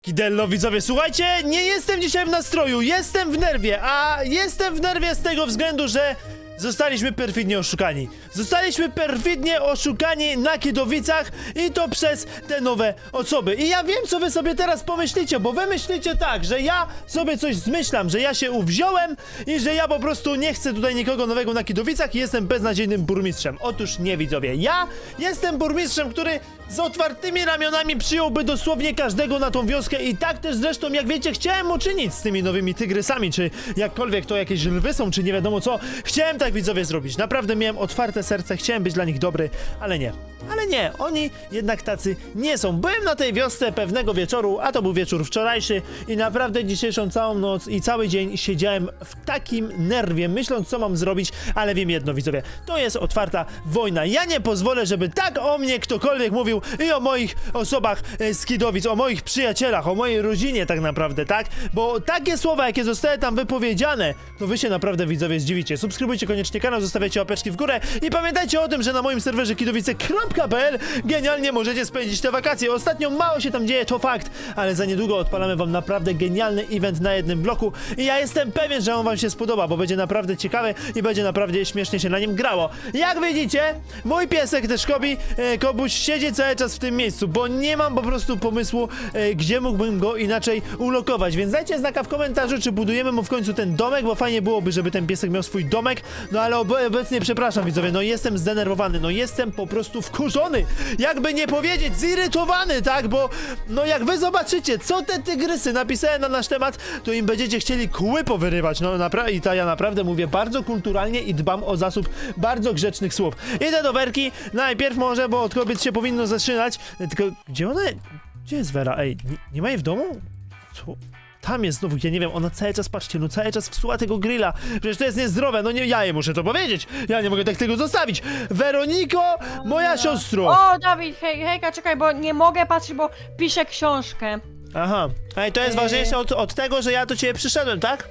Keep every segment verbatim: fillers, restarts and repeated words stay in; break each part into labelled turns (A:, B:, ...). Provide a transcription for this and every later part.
A: Kidello, widzowie, słuchajcie, nie jestem dzisiaj w nastroju, jestem w nerwie, a jestem w nerwie z tego względu, że zostaliśmy perfidnie oszukani. Zostaliśmy perfidnie oszukani na Kidowicach i to przez te nowe osoby. I ja wiem, co wy sobie teraz pomyślicie, bo wy myślicie tak, że ja sobie coś zmyślam, że ja się uwziąłem i że ja po prostu nie chcę tutaj nikogo nowego na Kidowicach i jestem beznadziejnym burmistrzem. Otóż nie, widzowie, ja jestem burmistrzem, który z otwartymi ramionami przyjąłby dosłownie każdego na tą wioskę i tak też zresztą, jak wiecie, chciałem uczynić z tymi nowymi tygrysami, czy jakkolwiek to jakieś lwy są, czy nie wiadomo co. Chciałem tak, widzowie, zrobić. Naprawdę miałem otwarte serce, chciałem być dla nich dobry, ale nie. Ale nie, oni jednak tacy nie są. Byłem na tej wiosce pewnego wieczoru, a to był wieczór wczorajszy i naprawdę dzisiejszą całą noc i cały dzień siedziałem w takim nerwie, myśląc, co mam zrobić, ale wiem jedno, widzowie, to jest otwarta wojna. Ja nie pozwolę, żeby tak o mnie ktokolwiek mówił i o moich osobach e, z Kidowic, o moich przyjacielach, o mojej rodzinie tak naprawdę, tak? Bo takie słowa, jakie zostały tam wypowiedziane, to wy się naprawdę, widzowie, zdziwicie. Subskrybujcie koniecznie kanał, zostawiajcie łapeczki w górę i pamiętajcie o tym, że na moim serwerze kidowice kropka p l genialnie możecie spędzić te wakacje. Ostatnio mało się tam dzieje, to fakt, ale za niedługo odpalamy wam naprawdę genialny event na jednym bloku i ja jestem pewien, że on wam się spodoba, bo będzie naprawdę ciekawy i będzie naprawdę śmiesznie się na nim grało. Jak widzicie, mój piesek też Kobi, e, Kobuś siedzi cały czas w tym miejscu, bo nie mam po prostu pomysłu, e, gdzie mógłbym go inaczej ulokować, więc dajcie znaka w komentarzu, czy budujemy mu w końcu ten domek, bo fajnie byłoby, żeby ten piesek miał swój domek, no ale ob obecnie, przepraszam, widzowie, no jestem zdenerwowany, no jestem po prostu wkurzony, jakby nie powiedzieć zirytowany, tak, bo no jak wy zobaczycie, co te tygrysy napisały na nasz temat, to im będziecie chcieli kły powyrywać, no naprawdę, i to ja naprawdę mówię bardzo kulturalnie i dbam o zasób bardzo grzecznych słów. Idę do Werki, najpierw może, bo od kobiet się powinno zaczynać, tylko gdzie ona, gdzie jest Wera, ej, nie, nie ma jej w domu? Co? Tam jest znowu, ja nie wiem, ona cały czas, patrzcie, no cały czas wsuła tego grilla. Przecież to jest niezdrowe, no nie, ja jej muszę to powiedzieć. Ja nie mogę tak tego zostawić. Weroniko, moja siostro.
B: O, Dawid, hej, hejka, czekaj, bo nie mogę patrzeć, bo piszę książkę.
A: Aha, ej, to jest
B: Yy.
A: ważniejsze od, od tego, że ja do ciebie przyszedłem, tak?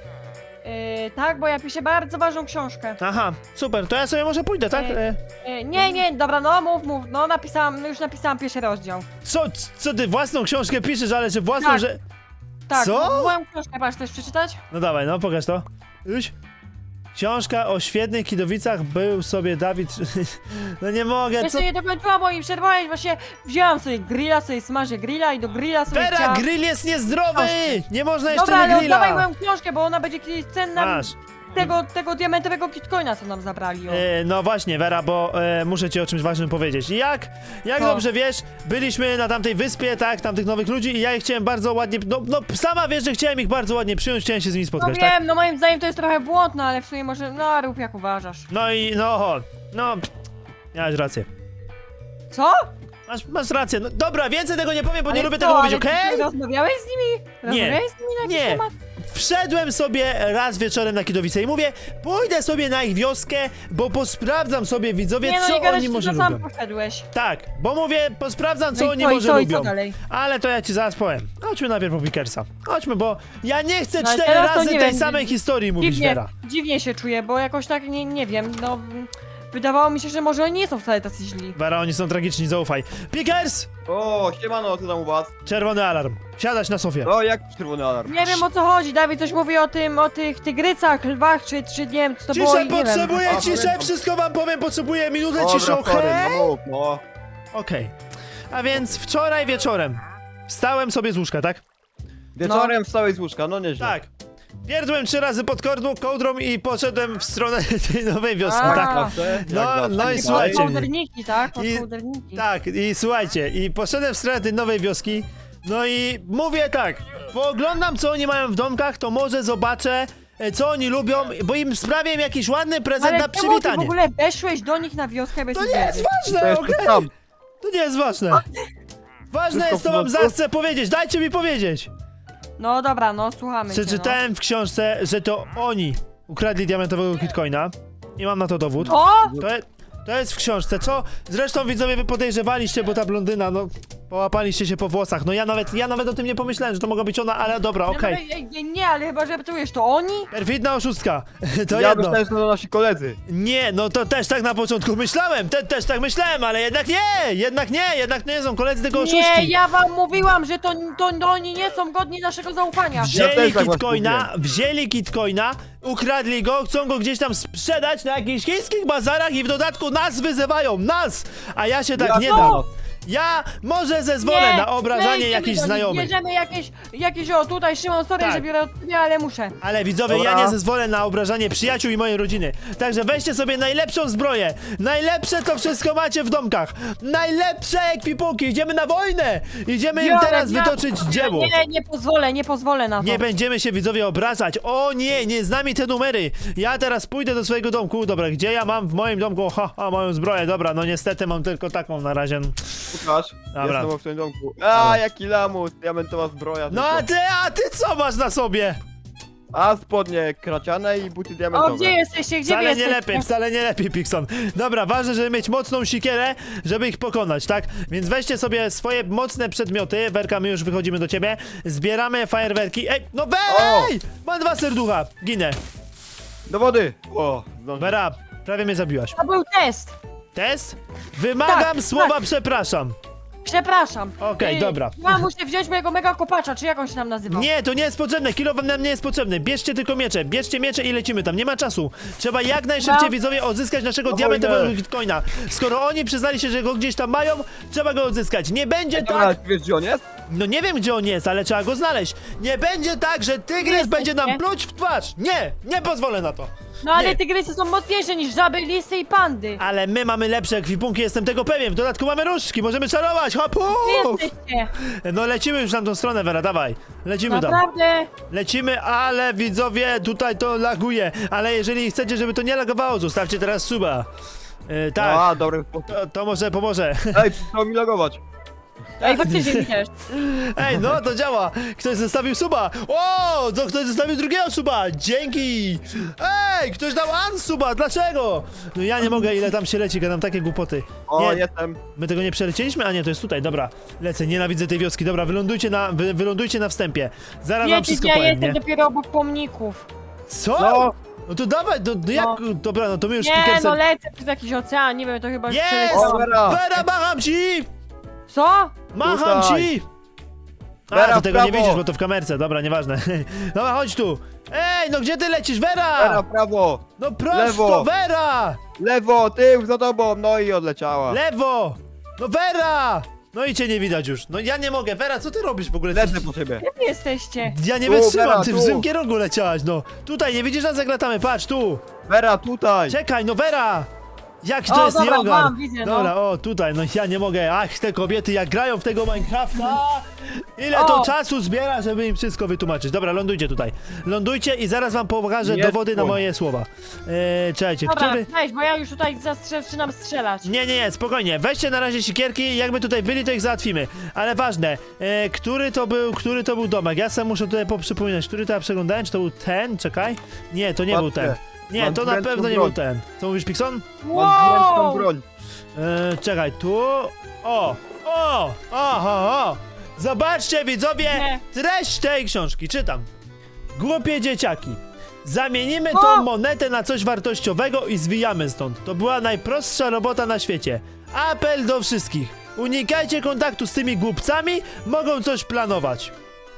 B: Yy, tak, bo ja piszę bardzo ważną książkę.
A: Aha, super, to ja sobie może pójdę, tak?
B: Yy.
A: E,
B: Yy, nie, nie, dobra, no mów, mów, no napisałam, już napisałam pierwszy rozdział.
A: co, co ty własną książkę piszesz, ale że własną,
B: Tak.
A: że...
B: Tak,
A: Co?
B: moją książkę, patrz, chcesz przeczytać?
A: No dawaj, no pokaż to. Już. Książka o świetnych Kidowicach, był sobie Dawid... No nie mogę, co...
B: Jeszcze nie dokończyłam, bo mi przerwałeś, właśnie wzięłam sobie grilla, sobie smażę grilla i do grilla sobie
A: Vera,
B: chciałam...
A: grill jest niezdrowy! Nie można jeszcze
B: Dobra,
A: na
B: ale
A: grilla!
B: oddawaj moją książkę, bo ona będzie kiedyś cenna
A: Masz.
B: tego, tego diamentowego kitcoina, co nam zabrali. O.
A: E, no właśnie, Vera, bo e, muszę ci o czymś ważnym powiedzieć. Jak, jak
B: Co?
A: dobrze wiesz, byliśmy na tamtej wyspie, tak, tamtych nowych ludzi i ja ich chciałem bardzo ładnie, no, no sama wiesz, że chciałem ich bardzo ładnie przyjąć, chciałem się z nimi
B: No
A: spotkać,
B: wiem,
A: tak?
B: no moim zdaniem to jest trochę błądne, ale w sumie może, no rób jak uważasz.
A: No i, no, ho, no, pff, miałeś rację.
B: Co?
A: Masz, masz rację, no dobra, więcej tego nie powiem, bo nie
B: Ale
A: lubię
B: co,
A: tego mówić,
B: ale ty
A: okej?
B: Rozmawiałeś z nimi? Rozmawiałeś z nimi na jakiś
A: Nie.
B: temat?
A: Wszedłem sobie raz wieczorem na Kidowice i mówię, pójdę sobie na ich wioskę, bo posprawdzam sobie, widzowie,
B: Nie, no
A: co
B: nie gadasz,
A: oni
B: że
A: może
B: to sam
A: lubią.
B: poszedłeś.
A: Tak, bo mówię, posprawdzam, co
B: No i
A: oni
B: co, i
A: może
B: co, i co
A: lubią.
B: dalej?
A: Ale to ja ci zaraz powiem. Chodźmy najpierw po Pickersa. Chodźmy, bo ja nie chcę
B: No, ale
A: cztery
B: teraz to
A: razy
B: nie
A: tej
B: wiem,
A: samej historii mówić,
B: Dziwnie,
A: Vera.
B: dziwnie się czuję, bo jakoś tak, nie, nie wiem, no... Wydawało mi się, że może oni nie są wcale tacy źli.
A: Vera, oni są tragiczni, zaufaj. Pickers!
C: O, siemano, co tam u was?
A: Czerwony alarm. Siadać na sofie.
C: O, jak czerwony alarm?
B: Nie wiem o co chodzi, Dawid coś mówi o tym, o tych tygrycach, lwach, czy, czy nie wiem, co to było,
A: Ciszę,
B: i nie wiem.
A: potrzebuję
C: A,
A: ciszę,
C: pamiętam.
A: wszystko wam powiem, potrzebuję minutę
C: Dobra,
A: ciszy, okej?
C: sorry, no mów, no.
A: Okej. A więc wczoraj wieczorem wstałem sobie z łóżka, tak?
C: Wieczorem wstałeś z łóżka, no nieźle.
A: Tak. Pierdłem trzy razy pod kołdrą, kołdrą i poszedłem w stronę tej nowej wioski,
B: A.
A: tak?
C: Zawsze, jak
A: No,
C: zawsze.
A: no i
C: Tak.
A: słuchajcie.
B: Kołderniki, tak? Od
A: I-
B: kołderniki.
A: Tak, i słuchajcie, i poszedłem w stronę tej nowej wioski, no i mówię tak, pooglądam co oni mają w domkach, to może zobaczę, e, co oni lubią, bo im sprawię im jakiś ładny prezent
B: Ale
A: na
B: czemu ty w
A: przywitanie.
B: ogóle weszłeś do nich na wioskę bez
A: To nie
B: wiedzy?
A: jest
C: To
A: ważne,
C: jest
A: okej?
C: tam.
A: To nie jest ważne. Ważne
C: Wszystko
A: jest, co
C: w
A: wam
C: porządku?
A: zachcę powiedzieć, dajcie mi powiedzieć.
B: No dobra, no słuchamy cię,
A: Przeczytałem w książce, że to oni ukradli diamentowego kitcoina i mam na to dowód.
B: no. O!
A: To, je, to jest w książce, co zresztą widzowie wy podejrzewaliście, bo ta blondyna, no Połapaliście się po włosach. No ja nawet, ja nawet o tym nie pomyślałem, że to mogła być ona, ale dobra,
B: No,
A: okej.
B: no, nie, nie, ale chyba, że czujesz, to oni?
A: Perfidna oszustka. To
C: Ja
A: jedno.
C: myślałem, że to nasi koledzy.
A: Nie, no to też tak na początku myślałem, te, też tak myślałem, ale jednak nie, jednak nie, jednak nie są koledzy tego
B: Nie,
A: oszuści.
B: ja wam mówiłam, że to, to, to oni nie są godni naszego zaufania.
C: Wzi- Ja
A: Wzięli
C: też tak właśnie
A: kitcoina, wzięli kitcoina, ukradli go, chcą go gdzieś tam sprzedać na jakichś chińskich bazarach i w dodatku nas wyzywają, nas! A ja się tak
C: Ja
A: nie
C: to-
A: dam. Ja może zezwolę
B: Nie,
A: na
B: my
A: obrażanie
B: idziemy
A: jakichś
B: do nich,
A: znajomych.
B: Bierzemy jakieś, jakieś, o tutaj Szymon, sorry,
A: Tak.
B: że biorę od ciebie, ale muszę.
A: Ale widzowie,
C: Dobra.
A: ja nie zezwolę na obrażanie przyjaciół i mojej rodziny. Także weźcie sobie najlepszą zbroję. Najlepsze co wszystko macie w domkach. Najlepsze ekwipunki. Idziemy na wojnę. Idziemy im
B: Biorę,
A: teraz
B: ja-
A: wytoczyć dzieło.
B: Nie, nie pozwolę, nie pozwolę na to.
A: Nie będziemy się widzowie obrażać. O nie, nie z nami te numery. Ja teraz pójdę do swojego domku. Dobra, gdzie ja mam w moim domku? Ha, ha, moją zbroję. Dobra, no niestety mam tylko taką na razie.
C: Łukasz,
A: Dobra.
C: jestem w swoim domku. A, jaki lamus, diamentowa zbroja.
A: No
C: tylko.
A: a ty, a ty co masz na sobie?
C: A spodnie kraciane i buty diamentowe.
B: O, gdzie jesteście, gdzie wy
A: Wcale nie
B: jesteście?
A: lepiej, wcale nie lepiej, Pixon. Dobra, ważne, żeby mieć mocną sikierę, żeby ich pokonać, tak? Więc weźcie sobie swoje mocne przedmioty. Werka, my już wychodzimy do ciebie. Zbieramy fajerwerki. Ej, no wej! Mam dwa serducha. Ginę.
C: Do wody! O, zdążę.
A: Vera, prawie mnie zabiłaś.
B: To był test.
A: Test? Wymagam
B: Tak,
A: słowa
B: tak.
A: przepraszam.
B: Przepraszam.
A: Okej,
B: Y,
A: dobra.
B: Ja muszę wziąć mojego mega kopacza, czy jak on się tam nazywał?
A: Nie, to nie jest potrzebne. Kilo wam nam nie jest potrzebny. Bierzcie tylko miecze. Bierzcie miecze i lecimy tam. Nie ma czasu. Trzeba jak najszybciej,
B: Dobra.
A: widzowie, odzyskać naszego
C: No
A: diamentowego
C: wojnę.
A: bitcoina. Skoro oni przyznali się, że go gdzieś tam mają, trzeba go odzyskać. Nie będzie
C: Dobra,
A: tak...
C: wiesz gdzie on jest?
A: No nie wiem, gdzie on jest, ale trzeba go znaleźć. Nie będzie tak, że tygrys będzie nam
B: nie?
A: pluć w twarz. Nie, nie pozwolę na to.
B: No ale
A: Nie.
B: tygrysy są mocniejsze niż żaby, lisy i pandy.
A: Ale my mamy lepsze ekwipunki, jestem tego pewien. W dodatku mamy różdżki, możemy czarować. Hopu!
B: Wy jesteście.
A: No lecimy już na tą stronę, Vera, dawaj. Lecimy tam.
B: Naprawdę.
A: Lecimy, ale widzowie, tutaj to laguje. Ale jeżeli chcecie, żeby to nie lagowało, zostawcie teraz suba. Yy, tak,
C: A, dobry sposób.
A: to, to może pomoże.
C: Ej, przestał mi logować.
B: Ej, faktycznie mi też.
A: Ej, no to działa. Ktoś zostawił suba. O, to ktoś zostawił drugiego suba. Dzięki. Ej, ktoś dał unsuba. Dlaczego? No ja nie mogę, ile tam się leci, gadam takie głupoty.
C: O,
A: Nie,
C: jestem.
A: my tego nie przelecieliśmy? A nie, to jest tutaj, dobra. Lecę, nienawidzę tej wioski. Dobra, wylądujcie na, wy, wylądujcie na wstępie. Zaraz wam
B: Wiecie,
A: wszystko
B: gdzie ja
A: powiem,
B: jestem
A: nie?
B: dopiero obok pomników.
A: Co?
C: Co?
A: No to dawaj, to, to jak,
B: No.
A: dobra, no to my już
B: Nie,
A: Pickersem-
B: no lecę przez jakiś ocean, nie wiem, to chyba już
A: Jest!
B: przeleciałam.
C: O, Vera!
A: Vera, macham ci!
B: Co?
A: Macham
C: Tutaj.
A: ci! A,
C: Vera,
A: to
C: w
A: tego nie
C: prawo.
A: widzisz, bo to w kamerce, dobra, nieważne. Dobra, chodź tu. Ej, no gdzie ty lecisz, Vera?
C: Vera, prawo!
A: No prosto,
C: lewo.
A: Vera!
C: Lewo, tył, za tobą, no i odleciała.
A: Lewo! No Vera! No i cię nie widać już. No ja nie mogę, Vera, co ty robisz w ogóle?
C: Lecę po ciebie.
B: Gdzie wy jesteście?
A: Ja nie
C: Tu,
A: wytrzymam,
C: Vera,
A: ty w
C: tu.
A: złym kierunku leciałaś, no. Tutaj, nie widzisz nas jak latamy, patrz, tu.
C: Vera, tutaj!
A: Czekaj, no Vera! Jak to
B: O,
A: jest
B: dobra,
A: nieogar?
B: mam, widzę, no.
A: Dobra, o tutaj, no ja nie mogę. Ach, te kobiety jak grają w tego Minecrafta! Ile to
B: O.
A: czasu zbiera, żeby im wszystko wytłumaczyć. Dobra, lądujcie tutaj. Lądujcie i zaraz wam pokażę
C: Nie
A: dowody na
C: spój.
A: moje słowa. Eee, czekajcie,
B: Dobra,
A: który...
B: weź, bo ja już tutaj zastrze- zaczynam strzelać.
A: Nie, nie, nie, spokojnie. Weźcie na razie sikierki, jakby tutaj byli, to ich załatwimy. Ale ważne, e, który to był, który to był domek? Ja sam muszę tutaj poprzypominać, który to ja przeglądałem, czy to był ten? Czekaj. Nie, to nie był
C: Patrzcie,
A: ten. Nie,
C: mam
A: to na
C: dwuręczną
A: pewno nie
C: broń.
A: był ten. Co mówisz, Pixon?
C: Mam dwuręczną broń.
A: E, czekaj, tu. O! O! Oho! O! Zobaczcie, widzowie,
B: Nie.
A: treść tej książki. Czytam. Głupie dzieciaki. Zamienimy
B: O!
A: tą monetę na coś wartościowego i zwijamy stąd. To była najprostsza robota na świecie. Apel do wszystkich. Unikajcie kontaktu z tymi głupcami, mogą coś planować.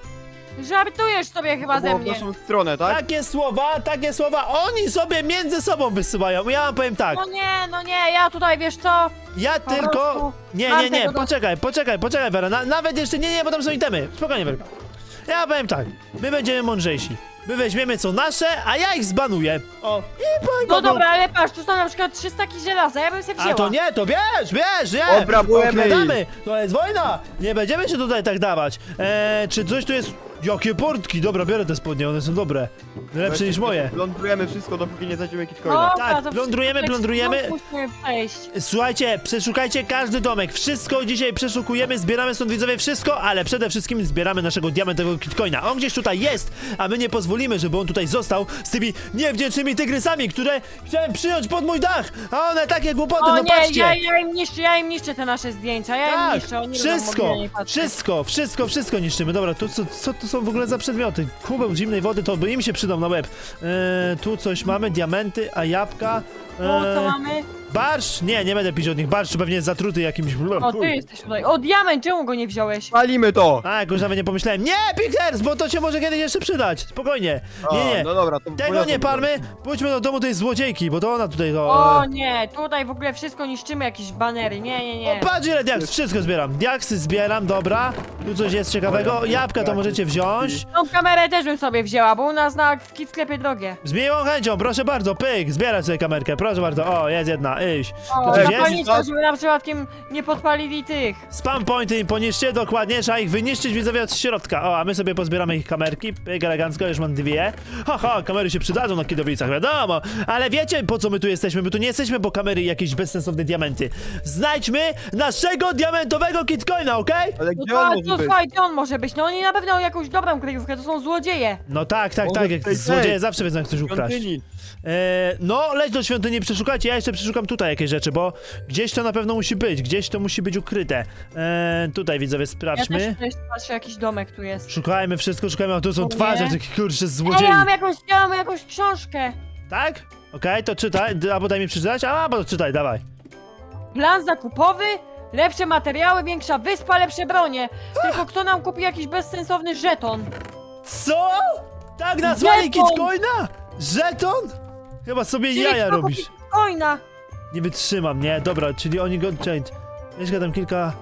B: Żartujesz sobie chyba
C: To
B: ze
C: było w
B: mnie.
C: naszą stronę, tak?
A: Takie słowa, takie słowa oni sobie między sobą wysyłają. Ja wam powiem tak.
B: No nie, no nie, ja tutaj, wiesz co?
A: Ja
B: Po
A: tylko...
B: prostu
A: Nie,
B: mam
A: nie, nie,
B: tego do-
A: poczekaj, poczekaj, poczekaj, Vera. Na, nawet jeszcze nie, nie, bo tam są itemy. Spokojnie, Werka. Ja powiem tak, my będziemy mądrzejsi. My weźmiemy co nasze, a ja ich zbanuję. O, i powiem
B: No dobra, ale patrz, tu są na przykład trzy staki żelaza, ja bym sobie wzięła.
A: A to nie, to bierz, bierz, nie!
C: Obrabujemy
A: Okradamy. To jest wojna! Nie będziemy się tutaj tak dawać. Eee, czy coś tu jest... Jakie portki! Dobra, biorę te spodnie, one są dobre. Lepsze niż moje.
C: Lądujemy wszystko, dopóki nie znajdziemy kitcoina.
A: Tak,
B: to
A: plądrujemy,
B: wszystko
A: plądrujemy.
B: musimy przejść.
A: Słuchajcie, przeszukajcie każdy domek. Wszystko dzisiaj przeszukujemy, zbieramy stąd widzowie wszystko, ale przede wszystkim zbieramy naszego diamentowego kitcoina. On gdzieś tutaj jest, a my nie pozwolimy, żeby on tutaj został z tymi niewdzięcznymi tygrysami, które chciałem przyjąć pod mój dach, a one takie głupoty,
B: O
A: no
B: nie,
A: patrzcie.
B: ja, ja im niszczę, ja im niszczę te nasze zdjęcia, ja im
A: Tak,
B: niszczę, oni
A: wszystko,
B: będą mogli na nie patrzeć.
A: wszystko, wszystko, wszystko niszczymy. Dobra, tu co, co to są w ogóle za przedmioty? Kubeł zimnej wody, to by im się przydał na łeb. Eee, tu coś mamy, diamenty, a jabłka.
B: O, co
A: Eee,
B: mamy?
A: barszcz? Nie, nie będę pić od nich. Barszcz pewnie jest zatruty jakimś...
B: O, ty jesteś tutaj. O, diament, czemu go nie wziąłeś?
C: Palimy to!
A: A, jakoś nawet nie pomyślałem. Nie, Pickers, bo to się może kiedyś jeszcze przydać. Spokojnie. Nie,
C: O,
A: nie.
C: No dobra, to
A: Tego
C: poniosę
A: nie
C: to.
A: palmy. Pójdźmy do domu tej złodziejki, bo to ona tutaj to...
B: O
A: e,
B: nie, tutaj w ogóle wszystko niszczymy, jakieś banery, nie, nie, nie.
A: O, patrz ile diaks, wszystko zbieram. Diaksy zbieram, dobra. Tu coś jest ciekawego. Jabłka to możecie wziąć.
B: Tą kamerę też bym sobie wzięła, bo u nas na w kit sklepie drogie.
A: Z miłą chęcią, proszę bardzo, pyk, zbierać sobie kamerkę, proszę bardzo. O, jest jedna, iść.
B: O,
A: To coś jest?
B: zapalniczka, żeby na przypadkiem nie podpalili tych.
A: Spam pointy im poniszcie, dokładnie, trzeba ich wyniszczyć widzowie od środka. O, a my sobie pozbieramy ich kamerki, pyk, elegancko, już mam dwie. Haha, kamery się przydadzą na kidowicach, wiadomo. Ale wiecie, po co my tu jesteśmy? My tu nie jesteśmy po kamery i jakieś bezsensowne diamenty. Znajdźmy naszego diamentowego kitcoina, okej?
C: Ale
B: No
C: gdzie on
B: to,
C: może
B: to
C: być?
B: słuchaj, gdzie on może być? No oni na pewno jakąś dobrą kryjówkę, to są złodzieje.
A: No tak, tak,
C: Może
A: tak, jak
C: w tej
A: złodzieje
C: tej
A: zawsze wiedzą jak coś ukraść.
C: Świątyni.
A: E, no, leć do świątyni, przeszukajcie, ja jeszcze przeszukam tutaj jakieś rzeczy, bo gdzieś to na pewno musi być, gdzieś to musi być ukryte. E, tutaj widzowie,
B: Ja
A: sprawdźmy.
B: też tutaj patrzę, jakiś domek tu jest.
A: Szukajmy wszystko, szukajmy, a tu są
B: O nie.
A: twarze tych kurczę
B: Ej,
A: złodziei.
B: ja mam jakąś, ja mam jakąś książkę.
A: Tak? Okej, to czytaj, d- albo daj mi przeczytać, a bo czytaj, dawaj.
B: Plan zakupowy, lepsze materiały, większa wyspa, lepsze bronie. Tylko kto nam kupi jakiś bezsensowny żeton?
A: Co? Tak nazwali
B: Żeton!
A: kitcoina? Żeton? Chyba sobie
B: Czyli
A: jaja
B: kto
A: robisz.
B: kupi coina?
A: Nie wytrzymam, nie? Dobra, czyli oni go... Change. Jeszcze tam kilka...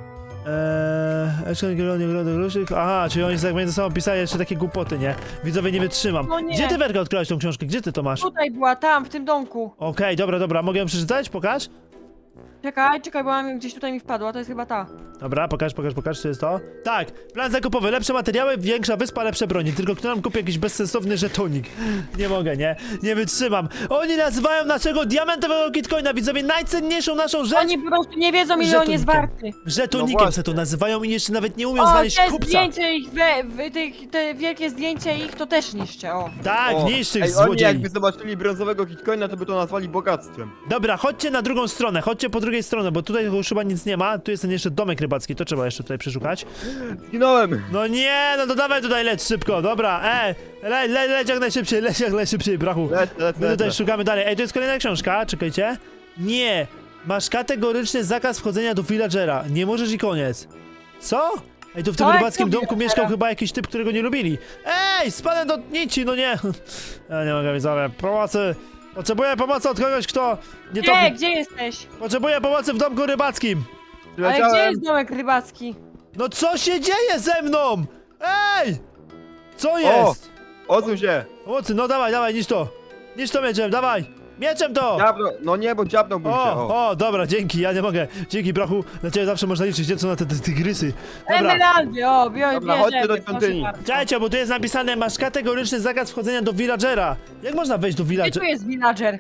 A: Eee... Jeszcze kilka... Aha, czyli oni tak między sobą pisali jeszcze takie głupoty, nie? Widzowie, nie wytrzymam.
B: No nie.
A: Gdzie ty, Werka, odkryłaś tą książkę? Gdzie ty to masz?
B: Tutaj była, tam, w tym domku.
A: Okej, dobra, dobra, mogę ją przeczytać? Pokaż?
B: Czekaj, czekaj, bo mam, gdzieś tutaj mi wpadła, to jest chyba ta.
A: Dobra, pokaż, pokaż, pokaż, czy jest to? Tak, plan zakupowy, lepsze materiały, większa wyspa, lepsze broni. Tylko kto nam kupi jakiś bezsensowny żetonik? Nie mogę, nie? Nie wytrzymam. Oni nazywają naszego diamentowego kitcoina, widzowie, najcenniejszą naszą rzecz.
B: Oni po prostu nie wiedzą, ile on jest
A: Żetonikiem.
B: warty.
C: No
A: Żetonikiem
C: właśnie.
A: se to nazywają i jeszcze nawet nie umią
B: O,
A: znaleźć
B: te
A: kupca.
B: zdjęcie ich, we, we, tych, te wielkie zdjęcie ich to też niszczę, o.
A: Tak,
C: O,
A: niszcz tych
C: Ej, oni
A: złodziei.
C: jakby zobaczyli brązowego kitcoina, to by to nazwali bogactwem.
A: Dobra, chodźcie na drugą stronę, chodźcie po drugiej stronie, bo tutaj już chyba nic nie ma. Tu jest ten jeszcze domek rybacki, to trzeba jeszcze tutaj przeszukać.
C: Zginąłem!
A: No nie, no to dawaj tutaj leć szybko, dobra, e, le, le, leć jak najszybciej, leć jak najszybciej, brachu.
C: Lecę, lecę,
A: My tutaj
C: lecę.
A: szukamy dalej. Ej, to jest kolejna książka, czekajcie. Nie, masz kategoryczny zakaz wchodzenia do villagera, nie możesz i koniec. Co? Ej, tu w tym
B: Tak,
A: rybackim
B: co
A: domku
B: villagera?
A: mieszkał chyba jakiś typ, którego nie lubili. Ej, spadłem do nici, no nie. Ja nie mogę, widzowie, pomocy. Potrzebuję pomocy od kogoś, kto nie to...
B: Gdzie, gdzie jesteś?
A: Potrzebuję pomocy w domku rybackim.
B: Ale gdzie
C: Przyleciałem.
B: jest domek rybacki?
A: No co się dzieje ze mną? Ej! Co jest?
C: Odsuń się!
A: Pomocy, no dawaj, dawaj, niż to. Niż to mieczem, dawaj. Mieczem to!
C: Dziabno, no nie, bo dziabnąłbym się, o.
A: O, o, dobra, dzięki, ja nie mogę. Dzięki, brachu, na ciebie zawsze można liczyć, gdzie są na te, te tygrysy. Dobra,
B: Emeraldy, o, biorę,
C: Dobra, chodźcie do
B: bierzemy, proszę
C: świątyni.
B: bardzo.
A: czekajcie, bo tu jest napisane, masz kategoryczny zakaz wchodzenia do villagera. Jak można wejść do
B: Gdzie tu
A: villagera?
B: jest villager?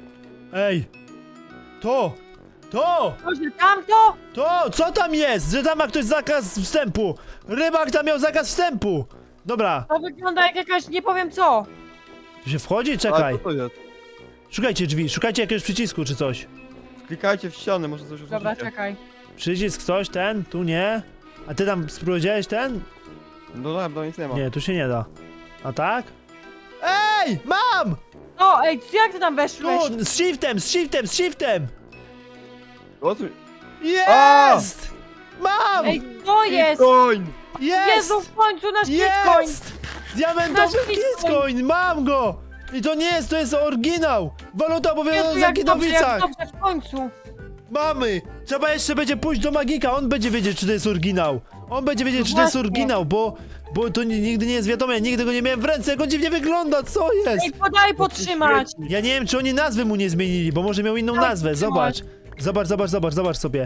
A: Ej! To! To!
B: Może tamto?
A: To! Co tam jest? Że tam ma ktoś zakaz wstępu! Rybak tam miał zakaz wstępu! Dobra,
B: To wygląda jak jakaś, nie powiem co.
A: tu się wchodzi?
C: A
A: Czekaj.
C: co to jest?
A: Szukajcie drzwi, szukajcie jakiegoś przycisku czy coś.
C: Klikajcie w ściany, może coś
B: Dobra,
C: usłyszycie.
B: czekaj.
A: Przycisk coś, ten, tu nie. A ty tam spróbowałeś ten?
C: No tak, no nic nie ma.
A: Nie, tu się nie da. A tak? Ej! Mam!
B: O, ej, jak ty tam weszłeś?
A: Tu! Z shiftem, z shiftem, z shiftem!
C: Odsuń.
A: Jest! Mam!
B: Ej, to jest!
C: Bitcoin!
A: Jest!
B: Jezu, w końcu nasz bitcoin!
A: Jest! Diamentowy
B: Nasz bitcoin!
A: bitcoin! Mam go! I to nie jest, to jest oryginał! Waluta
B: Jezu,
A: obowiązana w
B: jak dobrze, jak
A: Zakidowicach!
B: dobrze, w końcu!
A: Mamy! Trzeba jeszcze będzie pójść do magika, on będzie wiedzieć, czy to jest oryginał. On będzie wiedzieć,
B: No
A: czy to jest
B: właśnie.
A: oryginał, bo, bo to ni- nigdy nie jest wiadomo, ja nigdy go nie miałem w ręce, jak on dziwnie wygląda, co jest?
B: Ej, podaj potrzymać!
A: Ja nie wiem, czy oni nazwy mu nie zmienili, bo może miał inną
B: Tak,
A: nazwę,
B: trzymaj.
A: zobacz. Zobacz, zobacz, zobacz, zobacz sobie.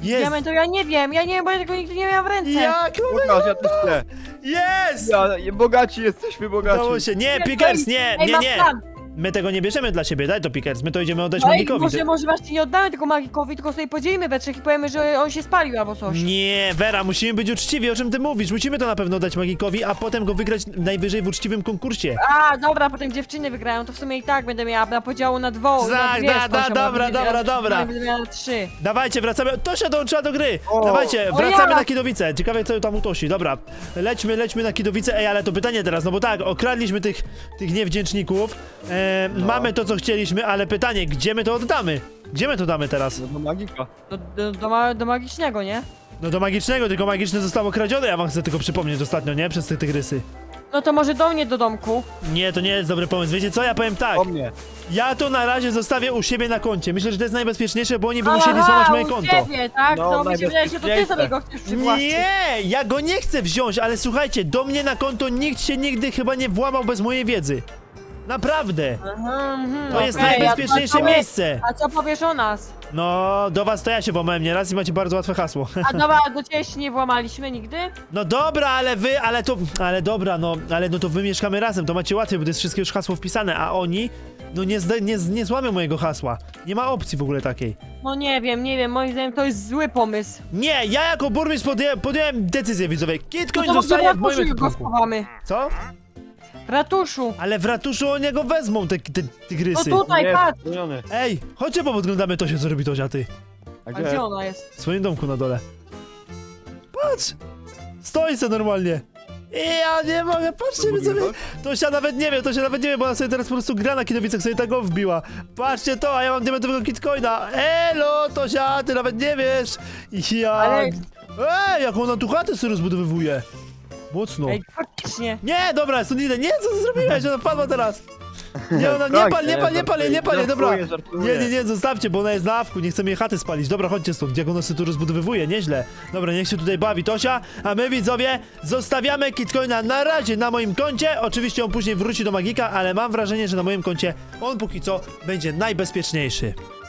A: Jest!
B: Diament to ja nie wiem, ja nie wiem, bo ja tego nigdy nie miałam w ręce.
A: Jak?
C: Pokaż, ja też chcę.
A: Jest!
C: Ja, bogaci jesteśmy, bogaci.
A: Udało się. Nie,
B: Ej,
A: Pickers, nie,
B: ej,
A: nie,
B: mam
A: nie.
B: plan.
A: My tego nie bierzemy dla siebie, daj to Pickers, my to idziemy oddać
B: Ej,
A: magikowi.
B: może, może właśnie nie oddamy tego magikowi, tylko sobie podzielimy we trzech i powiemy, że on się spalił albo coś.
A: Nie, Vera, musimy być uczciwi, o czym ty mówisz? Musimy to na pewno dać magikowi, a potem go wygrać najwyżej w uczciwym konkursie.
B: A, dobra, potem dziewczyny wygrają, to w sumie i tak będę miała na podziału na dwo, na
A: Tak,
B: dwie
A: da, da,
B: Stosią,
A: dobra,
B: bo będę
A: dobra,
B: miała-
A: dobra.
B: Będę miała na trzy.
A: Dawajcie, wracamy. Tosia dołączyła do gry.
C: O,
A: Dawajcie,
B: o
A: wracamy
B: ja.
A: na Kidowice. Ciekawe, co tam u Tosi. Dobra, lećmy, lećmy na Kidowice. Ej, ale to pytanie teraz, no bo tak, okradliśmy tych, tych niewdzięczników. E,
C: No.
A: Mamy to, co chcieliśmy, ale pytanie, gdzie my to oddamy? Gdzie my to damy teraz?
C: No do magika.
B: Do, do, do, ma- do magicznego, nie?
A: No do magicznego, tylko magiczne zostało kradzione, ja wam chcę tylko przypomnieć ostatnio, nie? Przez te tygrysy.
B: No to może do mnie do domku.
A: Nie, to nie jest dobry pomysł. Wiecie co, ja powiem tak.
C: O mnie.
A: Ja to na razie zostawię u siebie na koncie. Myślę, że to jest najbezpieczniejsze, bo oni by
B: Aha,
A: musieli złamać moje
B: u
A: konto.
B: ciebie, tak?
C: No,
B: No, mi się wydaje, że to ty
C: najbezpieczniejsze.
B: sobie go chcesz przywłaszczyć.
A: Nie, ja go nie chcę wziąć, ale słuchajcie, do mnie na konto nikt się nigdy chyba nie włamał bez mojej wiedzy. Naprawdę.
B: Aha, mhm,
A: To jest
B: okej,
A: najbezpieczniejsze
B: a co powie-
A: miejsce.
B: A co powiesz o nas?
A: No, do was to ja się włamałem nieraz i macie bardzo łatwe hasło.
B: A dobra, do ciebie się nie włamaliśmy nigdy?
A: No dobra, ale wy, ale to, ale dobra, no, ale no to wy mieszkamy razem, to macie łatwiej, bo to jest wszystkie już hasło wpisane, a oni, no nie, zda, nie, nie złamią mojego hasła. Nie ma opcji w ogóle takiej.
B: No nie wiem, nie wiem, moim zdaniem to jest zły pomysł.
A: Nie, ja jako burmistrz podję, podjąłem decyzję widzowie. Kitcoin
B: No to
A: zostaje
B: może
A: w
B: w
A: moim
B: ratuszu go
A: ekwipunku.
B: schowamy.
A: Co?
B: W ratuszu.
A: Ale w ratuszu o niego wezmą te, te
B: No
A: tygrysy.
B: tutaj,
C: Nie,
B: patrz.
C: zmieniony.
A: Ej, chodźcie podglądamy to się, co robi Tozia, ty.
C: A
B: A
C: gdzie?
B: gdzie ona jest?
A: W swoim domku na dole. Patrz! Stoi se normalnie. I ja nie mogę, patrzcie mi sobie. Tosia nawet nie wie, Tosia nawet nie wie, bo ona sobie teraz po prostu gra na Kidowicach, sobie tego wbiła. Patrzcie to, a ja mam diamentowego kitcoina. Elo, Tosia, ty nawet nie wiesz. Ja...
B: Ale-
A: Ej, jak ona tu chatę sobie rozbudowywuje. Mocno.
B: Ej, faktycznie.
A: Nie, dobra, stąd idę. Nie, co ty zrobiłeś? Ona wpadła teraz. Nie, ona, nie pal, nie pal, nie pal, nie pal, dobra.
C: Żartuję, żartuję.
A: Nie, nie, nie, zostawcie, bo ona jest na awku, nie chcemy jej chaty spalić. Dobra, chodźcie stąd, jak ona się tu rozbudowywuje, nieźle. Dobra, niech się tutaj bawi Tosia, a my widzowie zostawiamy Kitcoina na razie na moim koncie. Oczywiście on później wróci do Magika, ale mam wrażenie, że na moim koncie on póki co będzie najbezpieczniejszy.